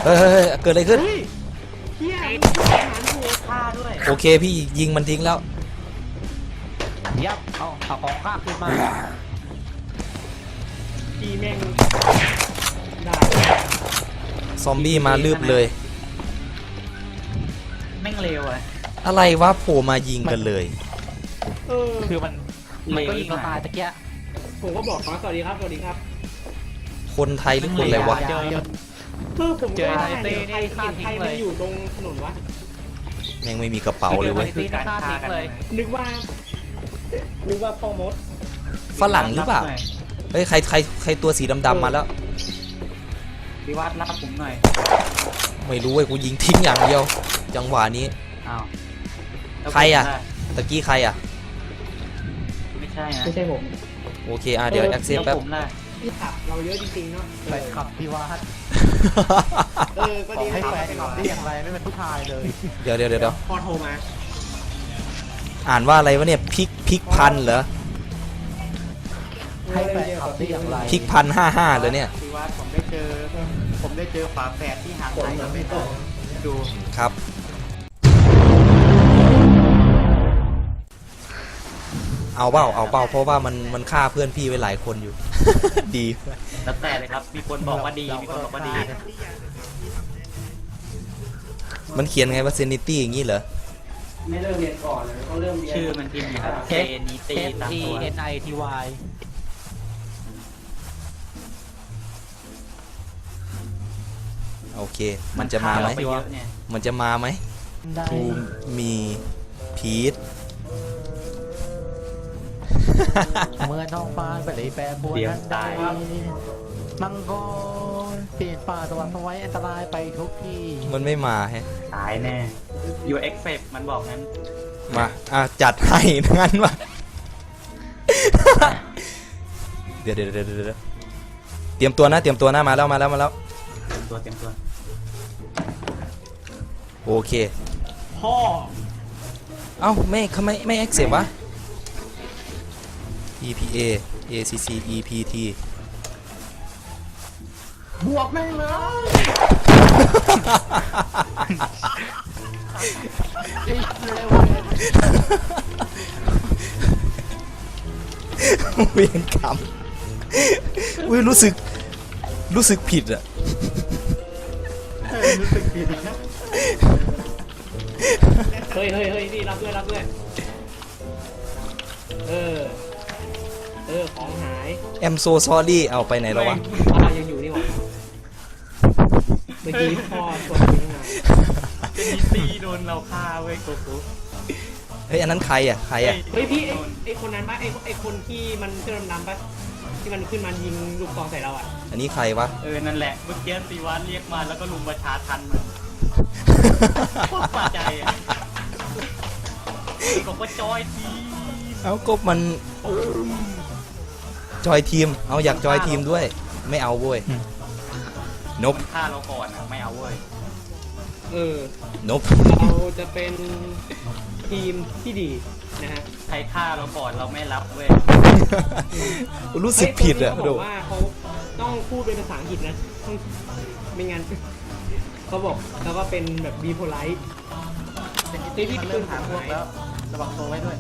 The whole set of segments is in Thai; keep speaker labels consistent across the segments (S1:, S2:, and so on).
S1: เฮ้ยเกิดอะไรขึ้น
S2: เฮียหารหัว
S3: ฆ่าด้วย
S1: โอเคพี่ยิงมันทิ้งแล้ว
S3: ยับเอาของฆ่าขึ้นมา
S2: ตีแม่งได้
S1: ซอมบี้มาลืบเลย
S3: แม่งเร็วอะ
S1: อะไรวะโผล่มายิงกันเลย
S3: คือมันก็ยิงเราตายตะเกีย
S2: ผมก็บอกเขาสวัสดีครับสวัสดีครับ
S1: คนไทยหรือคนอะไรวะ
S2: ผมก็ว่าเนี่ยใครมันอยู่ตรงถนนวะ
S1: ยังไม่มีกระเป๋าเลยเว้ย
S3: คือการฆ่ากันเลย
S2: นึกว่าพ่อมด
S1: ฝรั่งหรือเปล่าเฮ้ยใครตัวสีดำๆมาแล้ว
S3: พิวัตรรับผมหน่อย
S1: ไม่รู้เว้ยกูยิงทิ้งอย่างเดียว จังหวะนี้
S3: อ้าว
S1: ใครอะ ตะกี้ใครอ่ะ
S3: ไม่ใช่นะ
S2: ไม่ใช่ผม
S1: โอเคเดี๋ยวแอคเซปแป๊บ
S3: ผมนะ
S2: พี่ขับเราเยอะจริงๆเนาะ
S4: ไปขับพิวัตร
S2: ก็
S4: บอ
S2: ดี
S4: กให้แฟนขับได้อย่างไรไม่เป็นผู้ชายเลย
S1: เดี๋ยว
S2: พอโทรมา
S1: อ่านว่าอะไรวะเนี่ยพริกพันเหรอ
S4: ให้แฟนขับได้อย่างไร
S1: พริกพัน55เลยเนี่ย
S4: พิวัตรผมได้เจอฝาแฝดที่หางไทยกับไม่ตรงดู
S1: ครับ เอาเปล่าเพราะว่ามันฆ่าเพื่อนพี่ไว้หลายคนอยู่ ดี
S3: แล้วแต่เลยครับ มีคนบอกว่าดี มีคนบอกว่าดี
S1: มันเขียนไงว่าเซนิตี้อย่างนี้เหรอ
S2: ไม่เริ่มเรียนก่อนเลยต้องเริ่มเรียน
S3: ชื่อมันพิมพ์อยู่ครับเจนีตีตามตัว
S4: NITY
S1: โอเค มันจะมาไหม
S3: ไปเยอะเนี่ย
S1: มันจะมาไหม
S4: ได้
S1: ทูมีพีท
S4: เมื่อท้องฟ้าไปเลยแปรปรวนนั้นใดมังกรเปลี่ยนป่าสว่างสวัยอันตรายไปทุกที่
S1: มันไม่มาแฮะ
S3: ตายแน่ อยู่เอ็กเซปมันบอกงั้น
S1: มาจัดให้งั้นวะ เดี๋ยวเตรียมตัวนะมาแล้ว
S3: เตรียมตัว
S1: โอเค
S2: พ่อ
S1: เอ้าไม่แอคเซปวะ EPA ACC EPT
S2: บวกแม่งเลย
S1: เวียนกรรมอุ้ยรู้สึกผิดอะ
S4: รู้สึกผิดนะ
S2: เฮ้ยนี่รับด้วยของหาย
S1: I'm so sorry เอาไปไหนแล้ววะ
S2: ยังอยู่นี่หว่าเมื่อกี้พ่อชวนไปทำงาน
S3: เจนีตีโดนเราฆ่าเว้ยโกกุ
S1: เฮ้ยอันนั้นใครอะ
S2: เฮ้ยพี่ไอคนนั้นปะไอคนที่มันเสื้อดำๆปะที่มันขึ้นมายิงลูกซองใส่เราอ่ะ
S1: อันนี้ใครวะ
S3: นั่นแหละ เมื่อกี้ตีวัตรเรียกมาแล้วก็ลุมประชาทันมันโคตรปาใจอ่ะบอกว่าจอยที
S1: เอาก็มันจอยทีมเอาอยากจอยทีมด้วยไม่เอาเว้ยนบ
S3: ฆ่าเราก่อนอ่ะ ไม่เอาเว้ย
S1: นบ
S2: เราจะเป็นทีมที่ดีนะฮะ
S3: ใครฆ่าเราก่อนเราไม่รับเว้ย
S1: รู้สึกผิดอะ
S2: เขา
S1: โด
S2: บอกว่าเขาต้องพูดเป็นภาษาอังกฤษนะต้องไม่งั้นเขาบอกแล้วก็เป็นแบบบีโพไลท์
S4: เป็นที่มันเริ่มหาพวกแล้วระวังตัวไว้ด้วย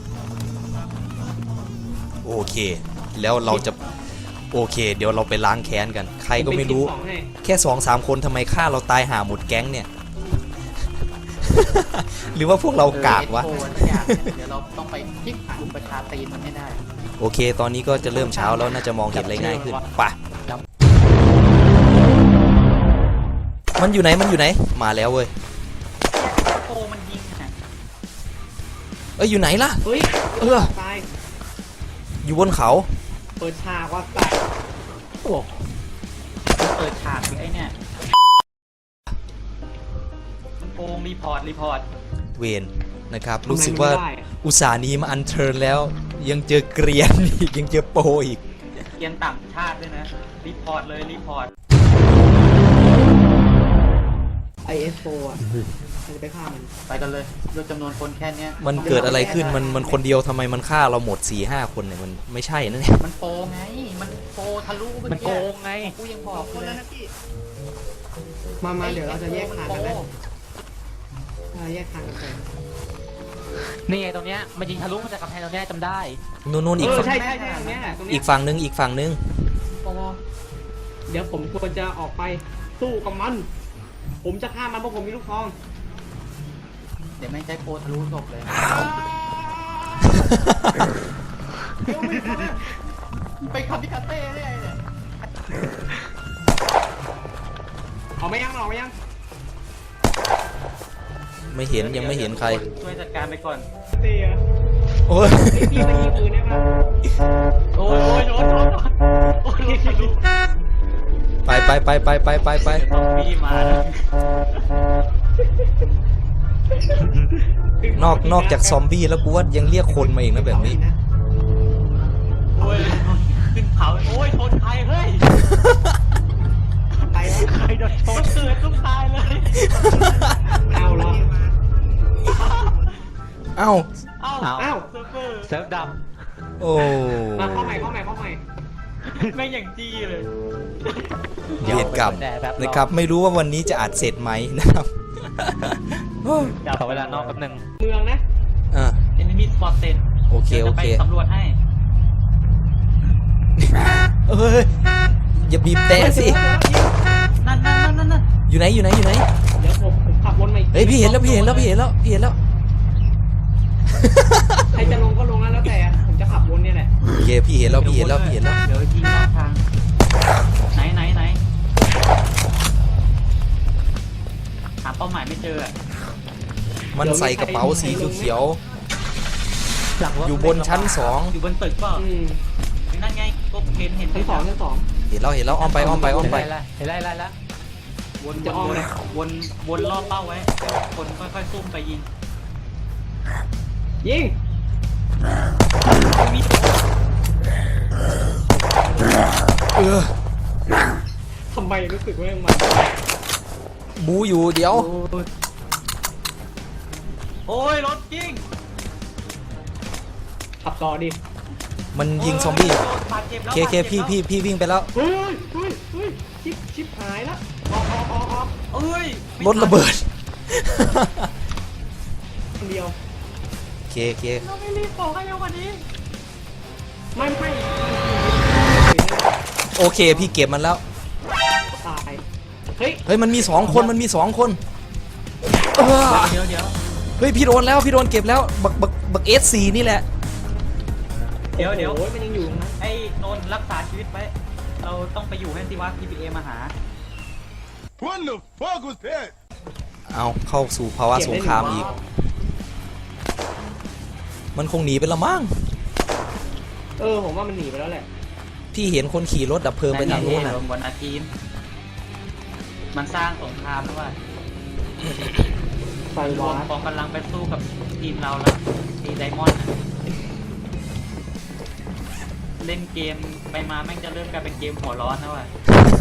S1: โอเค แล้วเราจะโอเค เดี๋ยวเราไปล้างแค้นกัน ใครก็ไม่รู้ แค่2-3 คนทำไมฆ่าเราตายหาหมดแก๊งเนี่ย หรือว่าพวกเรากากวะ
S4: เดี๋ยวเราต้องไปพลิกกลุ่มประชาตีนมันให้ได้
S1: โอเค ตอนนี้ก็จะเริ่มเช้าแล้วน่าจะมองเห็นอะไรง่ายขึ้นป่ะมันอยู่ไหนมาแล้วเว้ย
S3: โกมันยิงอ่ะ
S1: อยู่ไหนล่ะ
S2: เฮ้ยตาย
S1: อยู่บนเขา
S2: เปิดฉากว่าตาย
S3: เปิดฉากไอ้เนี่ยโกงรีพอร์ต
S1: เวนนะครับ รู้สึกว่าอุตส่าห์หนี้มาอันเชิญแล้ว ยังเจอเกรียนอีกยังเจอโปรอีก
S3: เกียนต่างชาติด้วยนะรีพอร์ต
S2: IS4 อ่ะจะไปฆ่ามัน
S4: ไปกันเลยด้วยจำนวนคนแค่เนี้ย
S1: มันเกิดอะไรขึ้นมันคนเดียวทำไมมันฆ่าเราหมด 4-5 คนเนี่ยมันไม่ใช่นะเนี่ย
S4: มันโปไง มันโปทะลุ
S3: มันโกงไง
S4: กูยังบอกเลย
S2: มาเดี๋ยวเราจะแยกทางกันแล้วแยกทางกันไป
S4: นี่ไงตรงเนี้ยมันยิงทะลุมาจากกำแพงตรงเนี้ยจำได้
S1: นู่นอีกฝั่ง
S2: ใช่ตรงเนี้ยตรง
S1: อี
S2: เนี้
S1: ก
S2: ย
S1: ฝั่งนึงอีกฝั่งนึง
S2: เดี๋ยวผมควรจะออกไปสู้กับมัน ผมจะฆ่ามันเพราะผมมีลูกซอง
S4: เดี๋ยวแม่งใช้โปรทะลุศพเลย
S2: เดี๋ยวไม่ได้
S4: ไปคามิคาเต้ได้ไงเนี่ย
S2: เอาไม่ยังเอาไม่ยัง
S1: ไม่เห็นยังไม่เห็นใคร
S3: ช่วยจัดการไปก่อน
S2: เตีย
S1: โอ้ย
S2: พี่มายิงปืนได้ปะ
S3: โอ้ยโดนโอ้ยทะลุ
S1: ไป
S3: ต้องพี่มานะ
S1: นอกจากซอมบี้แล้วกูว่ายังเรียกคนมาอีกนะแบบนี้
S3: โอ้ยขึ้นเขาโอ้ยชนใครเฮ้ย
S2: ไปแล้ว
S3: ใครโดนชนเกิดต้องตายเลย
S2: เอาเหรอ
S1: เอ้า
S3: เอ้า
S2: เอ้า
S3: เซิร์ฟเวอร์
S4: เซิร์ฟด
S1: โอ้
S2: มาเข้าใหม่
S3: แม่งอย่างจี้เลย
S4: ำ
S1: เวียนกรรม
S4: แดดแบบ
S1: นะครับไม่รู้ว่าวันนี้จะอัดเสร็จไหมนะครับ
S4: ขอเวลานอกแป๊บนึง
S2: เมืองนะ
S1: อ่ะ
S3: enemy spotted
S1: โอเค
S3: ดี๋ยวจะไปสำรวจให้
S1: เอ้ยอย่าบีบแต่สิ
S3: นั่น
S1: อยู่ไหน
S2: เดี๋ยวผมขับวนมาอีก
S1: เฮ้ยพี่เห็นแล้ว
S2: ใครจะลงก็ลงแล้วแต่ผมจะขับวนเนี่ยแหละ
S1: โอเคพี่เห็นแล้ว
S3: เดี๋ยวยิงนอกทางไหนหาเป้าหมายไม่เจออะ
S1: มันใส่กระเป๋าสีเขียว
S4: หลังรถ
S1: ๆอยู่บนชั้น
S3: อยู่บนตึกเปล่านั่นไงก็เห็น
S2: ชั้นสอง
S1: 2เห็นแล้วอ้อมไป
S4: เห็นไรละ
S3: วนรอบเป้าไว้คนค่อยๆซุ่มไปยิง
S2: ยิง ทำไมรู้สึกว่ามัน
S1: บูอยู่เดี๋ยว
S3: โอ้ยรถยิง
S2: ขับต่อดิ
S1: มันยิงซอมบี้
S3: บาดเจ็บแล้ว
S1: เคพี่วิ่งไปแล้ว
S2: เฮ้ยชิปหายแล้วออก
S3: เอ้ย
S1: รถระเบิด
S2: คนเดียว
S1: เค
S3: เราไม่รีบบอกให้เร็วกว่านี้
S2: ไม่
S1: โอเคพี่เก็บมันแล้ว
S2: ตาย เฮ้ย
S1: เฮ้ยมันมี2คน
S3: เดี๋ยว
S1: เฮ้ยพี่โดนเก็บแล้วบัก S4 นี่แหละ
S3: เดี๋ยว
S2: โอ้ยมันยังอยู่ตรงนั้น
S3: ไอ้นนท์รักษาชีวิตไว้เราต้องไปอยู่ให้สิวะ PPA มาหา
S5: What the fuck was that?
S1: เอาเข้าสู่ภาวะสงครามอีก มันคงหนีไปละมั้ง
S2: ผมว่ามันหนีไปแล้วแหละ
S1: พี่เห็นคนขี่รถดับเพลิงไปทางนู้นน่ะ
S3: บนอาทีมมันสร้างสงครามแล้วว่า
S2: ไฟ
S3: รว
S2: วาม ร์
S3: กองกำลังไปสู้กับทีมเราแล้วทีไดมอนด์เล่นเกมไปมาแม่งจะเริ่มกลายเป็นเกมหัวร้อนแล้วว่ะ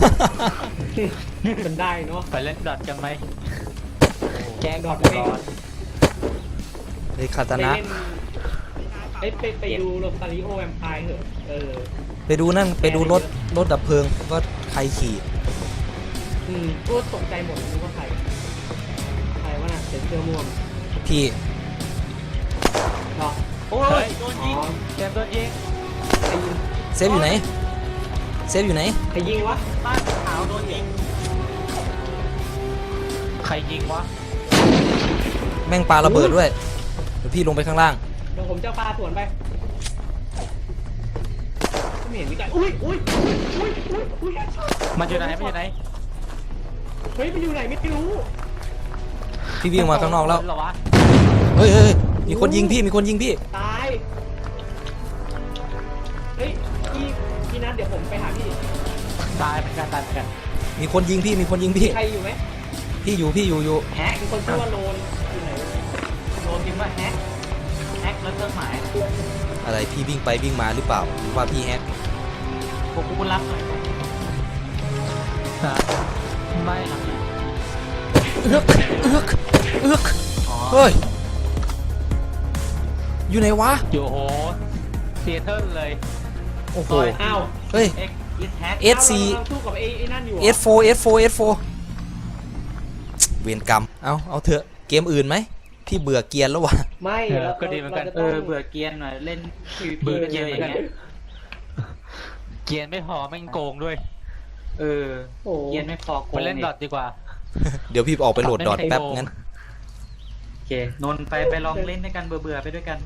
S2: มันได้เนาะ
S4: ไปเล่นดอทกันไหม
S2: แกงดอท
S4: ร้อน
S1: เฮ้ยคาตา
S2: ไป
S1: นะ
S2: เล่นไปดูโรตาริโอแวมไพร์เถอะ
S1: ไปดูรถดับเพลิงว่าใครขี่
S2: ก็ตกใจหมดนึกว่าใครว่าน่ะเซ็นเซอร์ม่วง
S1: พี่
S2: เหรอ
S3: โอ้ยโดนยิง
S4: เกมตัวยิง
S2: ใครยิง
S1: เซฟอยู่ไหน
S2: ใครยิงวะ
S3: บ้านขาวโดนยิง
S4: ใครยิงวะ
S1: แม่งปาระเบิดด้วยเดี๋ยวพี่ลงไปข้างล่าง
S2: เดี๋ยวผมจะปาสวนไปไม่เห็นมีใครอุ้ย
S4: มันอยู่ไหนมันอยู่ไหน
S2: เฮ้ยมันอยู่ไหนไม่รู้
S1: พี่วิ่งมาข้างนอกแล้ว
S4: เหรอวะ
S1: เฮ้ยมีคนยิงพี่
S2: ตายเฮ้ยพี่นัทเดี๋ยวผมไปหาพี่
S4: ตายเหมือนกัน
S1: มีคนยิงพี่
S2: ใครอยู่ไหม
S1: พี่อยู่
S2: แฮกมีคนชื่อว่าโลนอยู่ไหน
S3: โดนยิงว่าแฮกแล้วเครื่องหมาย
S1: อะไรพี่วิ่งไปวิ่งมาหรือเปล่าหรือว่าพี่แฮก
S3: ผมกูรับหน่อย
S4: ไม่
S1: เอือกเฮ้ยอยู่ไหนวะ
S4: อยู่โหเซียเทิลเลย
S1: โอ้โห
S2: อ้าว
S1: เฮ้ย
S3: เอ็กซ์แฮก
S1: S4
S2: เราสู้กับไอ้นั่นอยู่
S1: S4 เวรกรรมเอาเถอะเกมอื่นไหมพี่เบื่อเกรียนแล้ววะ
S2: ไม่
S4: ก็ดีเหมือนกัน
S2: ราจะ
S3: เอ
S2: ต้อง
S3: อเบื่อเกรียนหน่อยเล่น
S4: เบื่อ
S3: PVP
S4: เกรียนเหมือนกัน
S3: อะไรอย่างเงี้ย
S4: เกรียนไม่พอแม่งโกงด้วย
S3: เออ
S2: โอ้โห
S3: เกรียนไม่พอโก
S4: ไป
S3: ง
S4: เล่นดอทดีกว่า
S1: เดี๋ยวพี่ออกไปโหลดดอทแป๊บ
S4: ไม่มีใครโกง
S1: งั้น
S3: โอเคนนท์ไปลองเล่นด้วยกันเบื่อๆไปด้วยกัน